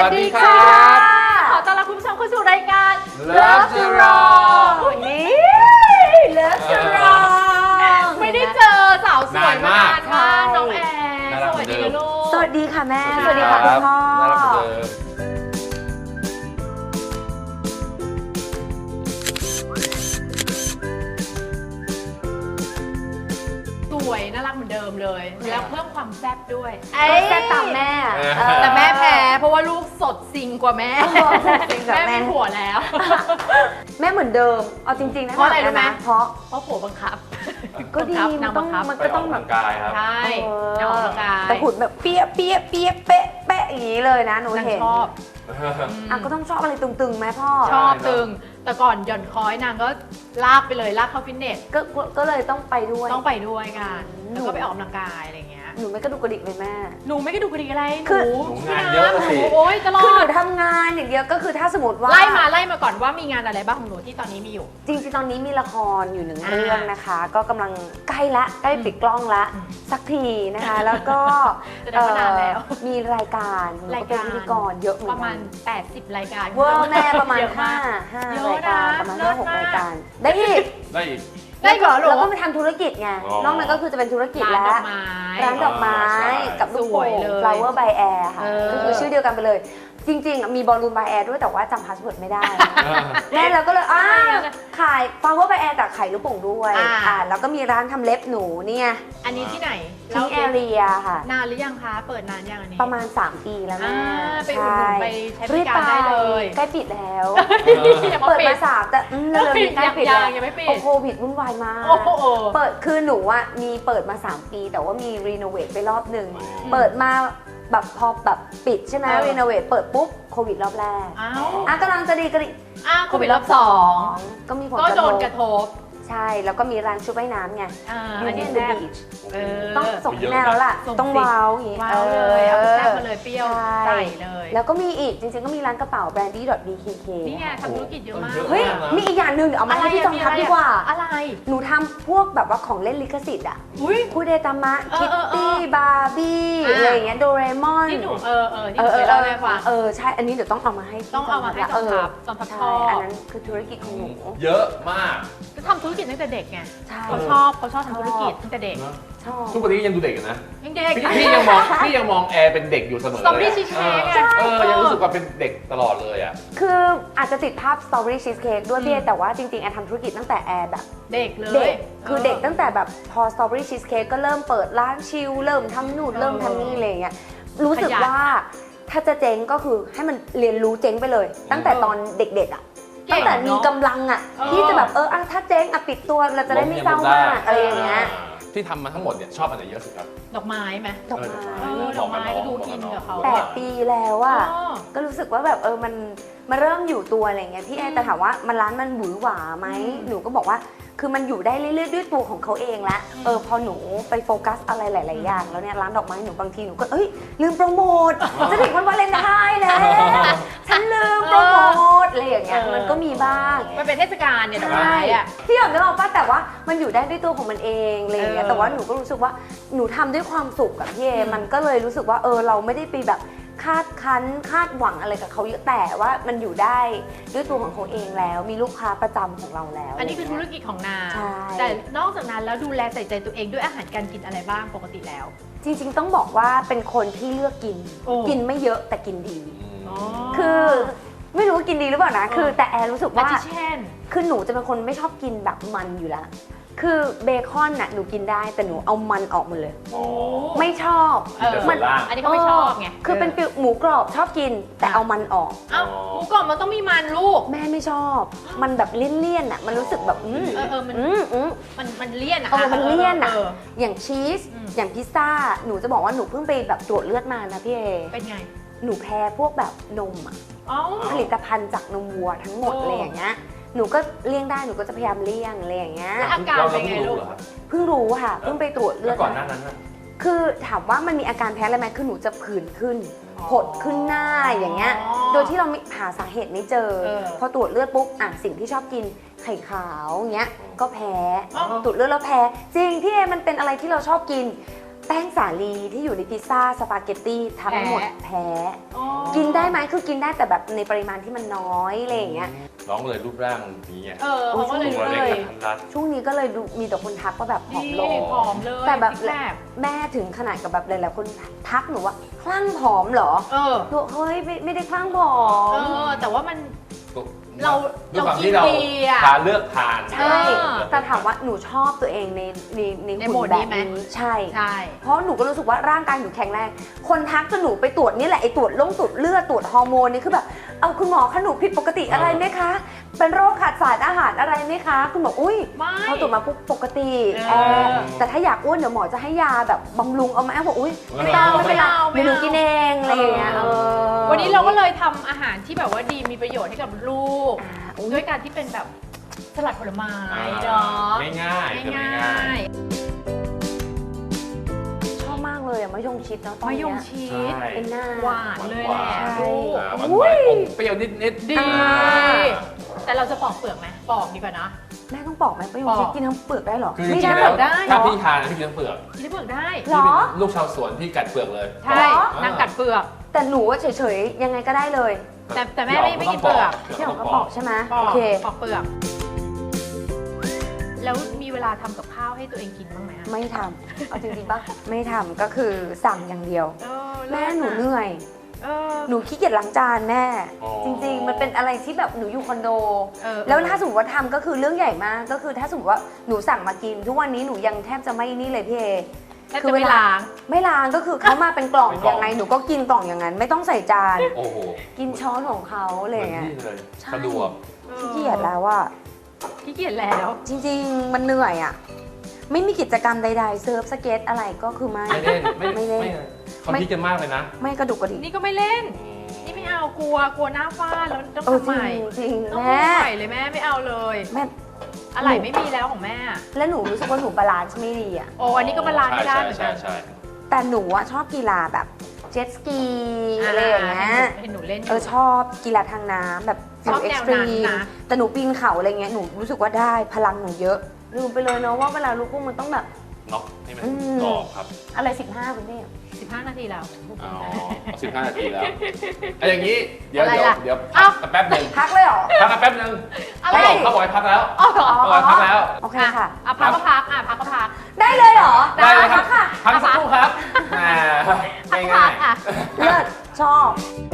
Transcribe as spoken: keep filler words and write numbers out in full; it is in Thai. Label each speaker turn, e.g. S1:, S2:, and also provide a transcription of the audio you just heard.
S1: วัสดีค่ะขอต้อนรับคุณผู้ชมเข้าสู่รายการ
S2: Love to Rock
S1: นี่ Love to Rock ไม่ได้เจอสาวสวยมานานมากน้องแอร์สวัสดีนะลูก
S3: สวัสดีค่ะแม่
S2: สวัสดีค่ะคุณพ่อ
S1: สวยน่ารักเหมือนเดิมเลยแล้วเพิ่มความแซ่บด้วย
S3: แซ่บตามแม่
S1: แต่แม่แพ้เพราะว่าลูกสดซิงกว่าแม่แม่มีผัวแล้ว
S3: แม่เหมือนเดิมเอาจริงๆนะ
S1: เพราะอะไรรู้ไหม
S3: เพราะ
S1: เพราะผัวบังคับ
S3: ก็ดีมันต้องมันก็ต้องแบบ
S2: กายครับ
S1: ใช่ออกกำลังกาย
S3: แต่หุ่นแบบเปี้ยเปี้ยเปี้ยเป๊ะเป๊ะอย่างนี้เลยนะหนูเห็น
S1: ชอบ
S3: อ่ะก็ต้องชอบอะไรตึงๆไหมพ่อ
S1: ชอบตึงแต่ก่อนหย่อนคอยนางก็ลากไปเลยลากเข้าฟิตเนส
S3: ก็ก็เลยต้องไปด้วย
S1: ต้องไปด้วยกันแล้วก็ไปออกกำลังกายอะไรเงี้ย
S3: หนูไม่กระดุกกระดิกเลยแม่
S1: หนูไม่กระดุกกระดิกอะไรห
S2: นูงานเยอะสิ
S1: โอ้ยตลอด
S3: คือหนูทำงานอย่างเดียวก็คือถ้าสมมติว่า
S1: ไล่มาไล่มาก่อนว่ามีงานอะไรบ้างของหนูที่ตอนนี้มีอยู่
S3: จริงๆตอนนี้มีละครอยู่หนึ่งเรื่องนะคะก็กำลังใกล้ละใกล้ปิดกล้องละสักทีนะคะแล้วก็มีรายการรายการพิธีกรเยอะ
S1: ประมาณแปดสิบรายการ
S3: เวอร์แม่ประมาณห้า ห้ารายการประมาณห้า หกรายการได้อีก
S2: ได้อีก
S1: ได้ก่อนหรอ
S3: แล้วก็ไปทำธุรกิจไงนอกนั้นก็คือจะเป็นธุรกิจแล้วร้านดอกไม้กับลูกโป่ง Flower by Air ค่ะก็คือชื่อเดียวกันไปเลยจริงๆมีบอลลูน by Air ด้วยแต่ว่าจำพาสเวิร์ดไม่ได้แม่เราก็เลยอ่าขาย Flower by Air แต่ขายลูกโป่งด้วยอ่าแล้วก็มีร้านทำเล็บหนูเนี่ย
S1: อันนี้ที่ไหน
S3: ที่แอเรียค่ะ
S1: นานหรือยังคะเปิดนานยังอันนี้
S3: ประมาณสามปีแล้วแม่
S1: ไปอุดหนุนไปใช้บริการได้เลย
S3: ใกล้ปิดแล้วเปิดมาสามแต่เร็วๆนี้ใกล้ปิดแล้วโอ้โควิดวุ่นวายมากเปิดคือหนูอ่ะมีเปิดมาสามปีแต่ว่ามีรีโนเวทไปรอบหนึ่งเปิดมาแบบพอแบบปิดใช่ไหมรีโนเวทเปิดปุ๊บโควิดรอบแรกอ้าวอ่ะกำลังจะดีกระดิ
S1: อ้าวโควิดรอบสอง
S3: ก็มีผล
S1: ก็โดนกระทบ
S3: ใช่แล้วก็มีร้านชุดว่ายน้ำไง
S1: ยูนิเดอะบีช
S3: ต้องส่งแม่แล้วล่ะต้องว้าวอย่างงี้
S1: ว้าวเลยเอาแซ่บมาเลยเปรี้ยวใส่เลย
S3: แล้วก็มีอีกจริงๆก็มีร้านกระเป๋า แบรนดี้ ดอท บี เค เค
S1: นี่ไงทำธุรกิจเยอะมาก
S3: เฮ้ยมีอีกอย่างหนึ่งเดี๋ยวเอามาให้พี่จอมทัพดีกว่า
S1: อะไร
S3: หนูทำพวกแบบว่าของเล่นลิขสิทธิ์อ่ะคูเดตามะคิตตี้บาร์บี้อะไรอย่างเงี้ยโดเรมอน
S1: ที่หนูเออเออที่หนูเคยเล่าให้ฟัง
S3: เออใช่อันนี้เดี๋ยวต้องเอามาให้
S1: ต้องเอามาให้จอมทัพจอมทัพชอบ
S3: อันนั้นคือธุรกิจของหนู
S2: เยอะมาก
S1: ก็ทำธุรกิจตั้งแต่เด็กไงเขาชอบเขาชอบทำธุรกิจตั้งแต่เด็ก
S2: ทุกวันนี้ยังดูเด็กนะ
S1: ยังเด็ก
S2: พี่ยังมองพี่ยังมองแอร์เป็นเด็กอยู่เสมอเลย
S1: สตรอเบอรี่ชีสเค้ก
S2: เออยังรู้สึกว่าเป็นเด็กตลอดเลยอ่ะ
S3: คืออาจจะติดภาพสตรอเบอรี่ชีสเค้กด้วยพี่แต่ว่าจริงๆแอร์ทำธุรกิจตั้งแต่แอร์แบบ
S1: เด็กเลย
S3: เด็กคือเด็กตั้งแต่แบบพอสตรอเบอรี่ชีสเค้กก็เริ่มเปิดร้านชิลเริ่มทำนู่นเริ่มทำนี่อะไรอย่างเงี้ยรู้สึกว่าถ้าจะเจ๊งก็คือให้มันเรียนรู้เจ๊งไปเลยตั้งแต่ตอนเด็กๆอ่ะตั้งแต่มีกำลังอ่ะที่จะแบบเออถ้าเจ๊งอ่ะปิดตัวเราจะได้ไม่เศร้ามากอะไรอย่างเงี้ย
S2: ที่ทำมาทั้งหมดเนี่ยชอบอันไหนเยอะสุดครับ
S1: ดอกไม้ไหม
S3: ดอกไม้
S1: ดอกไม้ก็ดูอินกับเขา
S3: แปดปีแล้วอ่ะก็รู้สึกว่าแบบเออมันมันเริ่มอยู่ตัวอะไรเงี้ยพี่แอนแต่ถามว่ามันร้านมันหวือหวาไหมหนูก็บอกว่าคือมันอยู่ได้เรื่อยๆด้วยตัวของเขาเองละเออพอหนูไปโฟกัสอะไรหลายๆอย่างแล้วเนี่ยร้านดอกไม้หนูบางทีหนูก็เอ้ยลืมโปรโมทจะถึงวันวาเลนไทน์แล้วฉันลืมโปรโมทอะไรอย่างเงี้ยมันก็มีบ้าง
S1: มันเป็นเทศกาลเนี่ยดอกไม้อะ
S3: พี่หยอดนึกออกป่ะแต่ว่ามันอยู่ได้ด้วยตัวของมันเองอะไรอย่างเงี้ยแต่ว่าหนูก็รู้สึกว่าหนูทำด้วยความสุขกับพี่เอมันก็เลยรู้สึกว่าเออเราไม่ได้ไปแบบคาดคั้นคาดหวังอะไรกับเขาเยอะแต่ว่ามันอยู่ได้ด้วยตัวของเขาเองแล้วมีลูกค้าประจำของเราแล้ว
S1: อันนี้คือธุรกิจของนางแต่นอกจากนั้นแล้วดูแลใส่ใจตัวเองด้วยอาหารการกินอะไรบ้างปกติแล้ว
S3: จริงๆต้องบอกว่าเป็นคนที่เลือกกินกินไม่เยอะแต่กินดีคือไม่รู้ว่ากินดีหรือเปล่านะคือแต่แอร์รู้สึกว่าคือหนูจะเป็นคนไม่ชอบกินแบบมันอยู่แล้วคือเบคอนน่ะหนูกินได้แต่หนูเอามันออกหมดเลยไม่ชอบ
S1: มันอันนี้เขาไม่ชอบไง
S3: คือเป็นฟิลหมูกรอบชอบกินแต่เอามันออก
S1: อ้าวหมูกรอบมันต้องมีมันลูก
S3: แม่ไม่ชอบมันแบบเลี่ยนๆอ่ะมันรู้สึกแบบอืม
S1: เออเออมันมันมันเลี่ยนอ่ะ
S3: เออมันเลี่ยนอ่ะอย่างชีสอย่างพิซซ่าหนูจะบอกว่าหนูเพิ่งไปแบบตรวจเลือดมานะพี่เอ
S1: เป็นไง
S3: หนูแพ้พวกแบบนมอ่ะผลิตภัณฑ์จากนมวัวทั้งหมดเลยอย่างเงี้ยหนูก็เลี่ยงได้หนูก็จะพยายามเลี่ยงอะไรอย่างเงี้ย
S1: อาการเป็นไงลูก
S3: เพิ่งรู้ค่ะเพิ่งไปตรวจเลือด
S2: ก่อนหน้านั้น
S3: คือถามว่ามันมีอาการแพ้อะไรไหมคือหนูจะผื่นขึ้นผดขึ้นหน้าอย่างเงี้ยโดยที่เราหาสาเหตุไม่เจอพอตรวจเลือดปุ๊บอ่ะสิ่งที่ชอบกินไข่ขาวเงี้ยก็แพ้ตรวจเลือดแล้วแพ้จริงที่มันเป็นอะไรที่เราชอบกินแป้งสาลีที่อยู่ในพิซซ่าสปาเกตตี้ทำให้หมดแพ้
S1: อ๋อ
S3: กินได้ไหมคือกินได้แต่แบบในปริมาณที่มันน้อยอะไรอย่างเงี้ย
S2: น้องเลยรูปร่างนี้ไง
S1: เออเขาก็เลย
S2: ตัวเล็ก
S1: เลย
S2: กับทันรัด
S3: ช่วงนี้ก็เลยดูมีแต่คนทักว่าแบบผอมลง
S1: นี่ผอมเลย
S3: แต่แบบ
S1: ซิกแพค
S3: แม่ถึงขนาดกับแบบหลายๆคนทักหนูว่าคลั่งผอมเหรอ
S1: เออ
S3: หนูเฮ้ยไม่ไม่ได้คลั่งผอ
S1: เอ
S3: ม
S1: อ แต่ว่ามัน เรา
S2: ด้วยความ
S1: เรากิน
S2: ที่เรา
S1: ดีอะ
S2: ทานเลือกทาน
S3: ใช่
S1: เออ
S3: แต่ถามว่าหนูชอบตัวเองในในใน
S1: ใน
S3: หุ่
S1: โหม
S3: น
S1: ด
S3: แบ
S1: นี้
S3: บ
S1: ไหม
S3: นี้ใช่
S1: ใช่
S3: เพราะหนูก็รู้สึกว่าร่างกายหนูแข็งแรง คนทักจนหนูไปตรวจนี่แหละไอตรวจลงตรวจเลือดตรวจฮอร์โมนนี่คือแบบเอาคุณหมอคะหนูผิดปกติอะไรไหมคะ เป็นโรคขาดสารอาหารอะไรไหมคะ คุณบอกอุ้ย
S1: ไม่
S3: พอตรวจมาปุ๊บปกติ
S1: เออ
S3: แอร์แต่ถ้าอยากอ้วนเดี๋ยวหมอจะให้ยาแบบบำรุงเอาไหมบอกอุ้ยไม่ต้องไม่เป็นไร
S1: ไม่
S3: เดี๋ยวหนู
S1: เอา
S3: กินเองอะไรอย่างเงี้ย
S1: เอ
S3: เออ
S1: วันนี้เราก็เลยทำอาหารที่แบบว่าดีมีประโยชน์ให้กับลูก
S3: อ่าอุ๊ย
S1: ด้วยการที่เป็นแบบสลัดผลไม้
S2: อ่า
S1: เนาะ
S2: ง่ายๆ
S1: ง่
S2: ง่าย
S1: าย
S3: ชอบมากเลยอะมะยงชิดเนาะต
S1: ๆ
S3: อน
S1: มะย
S3: เนี้
S1: ง
S3: ย
S1: ชี
S2: ใช่
S1: ส
S3: เป็นหน้า
S1: หวานเลยแหละ
S3: ใช่
S1: ลูก
S2: ๆอ่าหวานหวานอมเปรี้ยวนิดนิด
S1: ดี
S3: อ่า
S1: แต่เราจะปอกเปลือกไหมปอกดีกว่านะ
S3: แม่ต้องปอกไหมมะยงชิด
S1: ปอก
S3: กินทั้งเปลือกได้เหรอ
S2: คือจ
S3: ไม่
S2: ริง
S3: ได้
S2: ๆแล้ว
S1: ได้
S2: ถ้าพี่ทานนะพี่กินทั้งเปลือก
S1: กินเปลือกได้
S3: หรอ
S2: พี่เป็นลูกชาวสวนพี่กัดเปลือกเลย
S1: ใช่
S3: เหรอ
S1: นางกัดเปลือก
S3: แต่หนูว่าเฉยๆยังไงก็ได้เลย
S1: แต่แต่แม่ไม่ไม่กินเปลือก
S3: พี่หอม
S2: ต้
S3: ก็
S2: ง
S3: ปอกใช่ไหม
S1: ปอก
S3: โอเค
S1: ปอกเปลือก แล้วมีเวลาทำกับข้าวให้ตัวเองกินบ้างไหมอะ
S3: ไม่ทำเอาจริงๆปะไม่ทำก็คือสั่งอย่างเดียว
S1: เออ
S3: แม่
S1: เลิศ
S3: หนูเหนื่อย
S1: เออ
S3: หนูขี้เกียจล้างจานแม่
S2: อ๋อ
S3: จริงๆ มันเป็นอะไรที่แบบหนูอยู่คอนโด
S1: เออ
S3: แล้วถ้าสมมติว่าทำก็คือเรื่องใหญ่มาก ก็คือถ้าสมมติว่าหนูสั่งมากิน ทุกวันนี้หนูยังแทบจะไม่นี่เลยพี่เอ
S1: แทบจะไม่ล้าง
S3: ไม่ล้างก็คือเขามาเป็นกล่อง
S2: เป็นกล่อง
S3: ยังไงหนูก็กินกล่องอย่างนั้น ไม่ต้องใส่จาน
S2: โอ้โห
S3: กินช้อนของเขาอะไร
S2: เหมือน
S3: เงี้ย
S2: พี่เลย
S3: ใช่
S2: สะดวก
S3: ขี้เกียจแล้วว่า
S1: ขี้เกียจแล้ว
S3: จริงๆ มันเหนื่อยอ่ะ ไม่มีกิจกรรมใดๆ เซิร์ฟสเก็ตอะไรก็คือไม่
S2: ไม่เล่นไม่
S3: ไม่เล่น
S2: เขาคิดกันมากเลยนะ
S3: ไม่กระดุกกระดิก
S1: นี่ก็ไม่เล่น นี่ไม่เอากลัวกลัวหน้าฟาดแล้วต้อง
S3: เออ
S1: ทำ
S3: จ
S1: ให
S3: ริ
S1: ม่
S3: งจริง
S1: ต้อง
S3: แม่
S1: ทำใหม่เลยแม่ไม่เอาเลย
S3: แม่
S1: อะไรไม่มีแล้วของแม่อะ
S3: แล้วหนูรู้สึกว่าหนูบาลานซ์ไม่ดีอ่ะ
S1: โอ้อันนี้ก็บาลานซ์ไม่ได้เหมือน
S2: ใช่
S1: กัน
S2: ใช่
S3: แต่หนูอะชอบกีฬาแบบเจ็ตสกีอะไรอย่างเงี้ย
S1: เห็นหนูเล่นอ
S3: เอยู่ อชอบกีฬาทางน้ำแบบ
S1: ชอบ
S3: เอ็ก
S1: แนว
S3: ซ์ตรี
S1: นั้น
S3: ม
S1: นะ
S3: แต่หนูปีนเขาอะไรเงี้ยหนูรู้สึกว่าได้พลังหนูเยอะลืมไปเลยเนาะว่าเวลาลูกกุ้งมันต้องแบบ
S2: เนาะให้มัน
S3: อืม
S2: กรอบครับ
S3: อะไรสิบห้าคุณพี่
S1: สิบห้านาทีแล้ว
S2: อ๋อสิบห้านาทีแล้วไอ้อย่างนี้ เดี๋ยว
S1: อะไร
S2: เดี๋ยว
S1: ล่ะ
S2: เดี๋ยว
S1: เอ้า
S2: พักแป๊บหนึ่ง
S3: พักเลยเหรอ
S2: พักกันแป๊บหนึ่ง
S1: อะไร
S2: เขาบอกเขาบอกให้พักแล้ว
S1: อ๋อเหรอ
S2: เขาบอกให้พักแล้ว
S3: โอเคค่ะ
S1: อ่ะพักก็พักอ่ะพักก็พัก
S3: ได้เลยเหรอ
S2: ได้เลยครับ
S3: ค่ะ
S2: พักสักครู่ครับแหม
S1: พักก็
S2: ง่า
S1: พั
S2: ย
S1: กอ่ะ
S3: เลิศชอบ
S2: ๆ